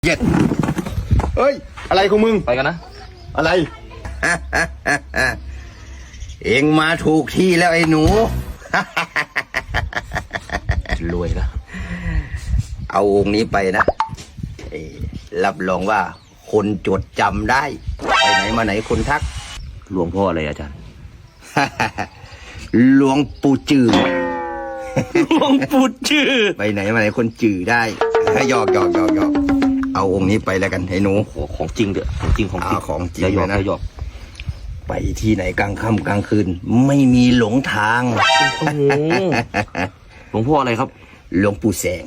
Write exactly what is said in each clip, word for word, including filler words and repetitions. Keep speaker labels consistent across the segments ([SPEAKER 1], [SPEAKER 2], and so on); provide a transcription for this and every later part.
[SPEAKER 1] เย็ดเฮ้ยอะไรของมึง
[SPEAKER 2] ไปกันนะ
[SPEAKER 1] อะไร เอ็งมาถูกที่แล้วไอ้หนู
[SPEAKER 2] รวยนะ
[SPEAKER 1] เอาองค์นี้ไปนะเอ้ยรับรองว่าคนจดจำได้ ไปไหนมาไหนคนทัก
[SPEAKER 2] หลวงพ่ออะไรอาจารย์
[SPEAKER 1] หลวงปู่จือ
[SPEAKER 2] หลวงปู่ชื่อ
[SPEAKER 1] ไปไหนมาไหนคนจือได้หยอกหยอกหยอกหยอกเอาองค์นี้ไปแล้วกันไอ้หนู
[SPEAKER 2] โอ้ของจริงเด้อของจริงของจริง
[SPEAKER 1] เอาของจริง
[SPEAKER 2] อย่าหยอก
[SPEAKER 1] เลยนะ
[SPEAKER 2] อย่าหยอก
[SPEAKER 1] ไปที่ไหนกลางค่ำกลางคืน ไม่มีหลงทาง
[SPEAKER 2] โอ้โหหลวงพ่ออะไรครับ
[SPEAKER 1] หลวงปู่แสง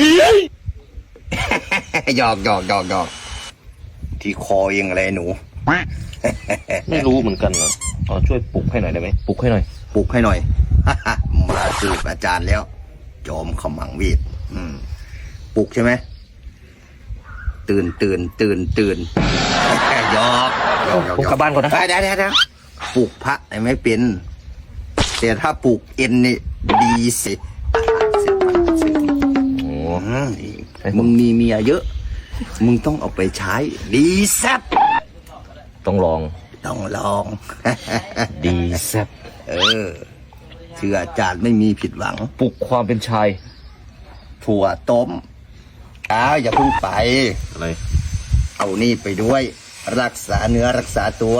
[SPEAKER 1] หยอกหยอกหยอกหยอกที่คอเองอะไรหนู
[SPEAKER 2] ไม่รู้เหมือนกันนะเอาช่วยปลุกให้หน่อยได้ไหมปลุกให้หน่อย
[SPEAKER 1] ปลุกให้หน่อย มาสืบอาจารย์แล้ว จอมขมังเวทอืมปลุกใช่ไหมตื่นตื่นตื่นตื่น หยอกหยอกหยอก
[SPEAKER 2] ผมกลับบ้านก่อนนะ
[SPEAKER 1] ได้ได้ได้ปลุกพระไม่เป็นแต่ถ้าปลุกเอ็นนี่ดีสิเสร็จมันเสร็จ
[SPEAKER 2] โอ้
[SPEAKER 1] อืมมึงมีเมียเยอะ มึงต้องเอาไปใช้ ดีแซ่บ
[SPEAKER 2] ต้องลอง
[SPEAKER 1] ต้องลอง
[SPEAKER 2] ดีแซ่บ
[SPEAKER 1] เออเชื่ออาจารย์ไม่มีผิดหวัง
[SPEAKER 2] ปลุกความเป็นชาย
[SPEAKER 1] ถั่วต้มอ้าวอย่าเพิ่งไป
[SPEAKER 2] อะไร
[SPEAKER 1] เอานี่ไปด้วย รักษาเนื้อรักษาตัว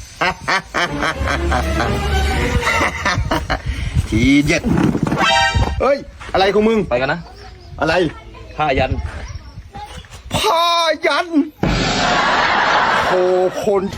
[SPEAKER 1] ทีเด็ดเฮ้ย อะไรของมึง
[SPEAKER 2] ไปกันนะ
[SPEAKER 1] อะไร
[SPEAKER 2] ผ้ายัน
[SPEAKER 1] ผ้ายันโอ้คน